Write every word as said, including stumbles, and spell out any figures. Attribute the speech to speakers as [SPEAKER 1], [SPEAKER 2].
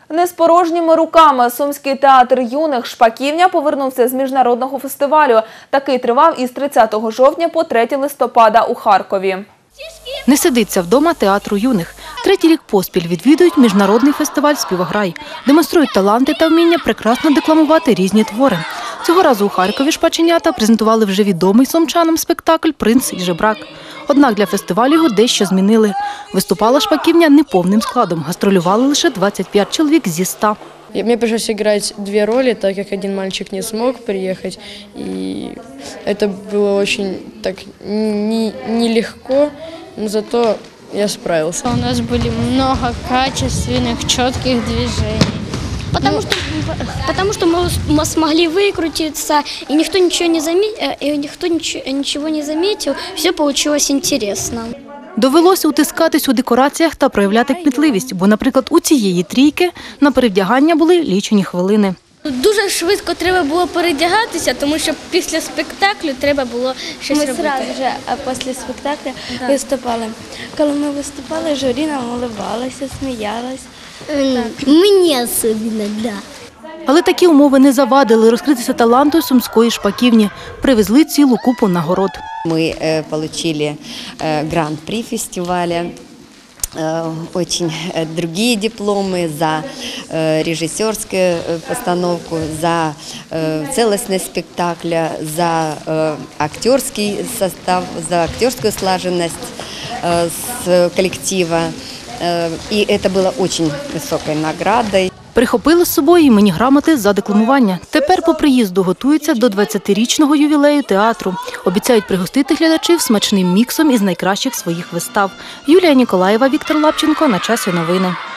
[SPEAKER 1] Не з порожніми руками Сумський театр юних «Шпаківня» повернувся з міжнародного фестивалю. Такий тривав із тридцятого жовтня по третє листопада у Харкові.
[SPEAKER 2] Не сидиться вдома театру юних. Третій рік поспіль відвідують міжнародний фестиваль «Співаграй». Демонструють таланти та вміння прекрасно декламувати різні твори. Цього разу у Харкові шпаченята презентували вже відомий сумчанам спектакль «Принц і жебрак». Однак для фестивалю його дещо змінили. Виступала «Шпаківня» неповним складом, гастролювали лише двадцять п'ять чоловік зі ста.
[SPEAKER 3] Мне пришлось играть две роли, так как один мальчик не смог приехать. И это было очень так не, нелегко, но зато я справился.
[SPEAKER 4] У нас были много качественных, четких движений.
[SPEAKER 5] Потому, ну, что, потому что мы смогли выкрутиться, и никто ничего не заметил, и никто ничего, ничего не заметил, все получилось интересно.
[SPEAKER 2] Довелося утискатись у декораціях та проявляти кмітливість, бо, наприклад, у цієї трійки на перевдягання були лічені хвилини.
[SPEAKER 6] Дуже швидко треба було передягатися, тому що після спектаклю треба було щось
[SPEAKER 7] ми
[SPEAKER 6] робити.
[SPEAKER 7] Ми одразу вже після спектаклю да. виступали. Коли ми виступали, журі нам уливалося, сміялось.
[SPEAKER 5] Мені особливо, так. Да.
[SPEAKER 2] Але такі умови не завадили розкритися таланту Сумської «Шпаківні». Привезли цілу купу нагород.
[SPEAKER 8] Мы э, получили э, гран-при фестиваля, э, очень э, другие дипломы за э, режиссерскую э, постановку, за э, целостность спектакля, за э, актерский состав, за актерскую слаженность э, с коллектива. Э, и это было очень высокой наградой.
[SPEAKER 2] Прихопили з собою іменні грамоти за декламування. Тепер по приїзду готуються до двадцятирічного ювілею театру. Обіцяють пригостити глядачів смачним міксом із найкращих своїх вистав. Юлія Ніколаєва, Віктор Лапченко. На часі новини.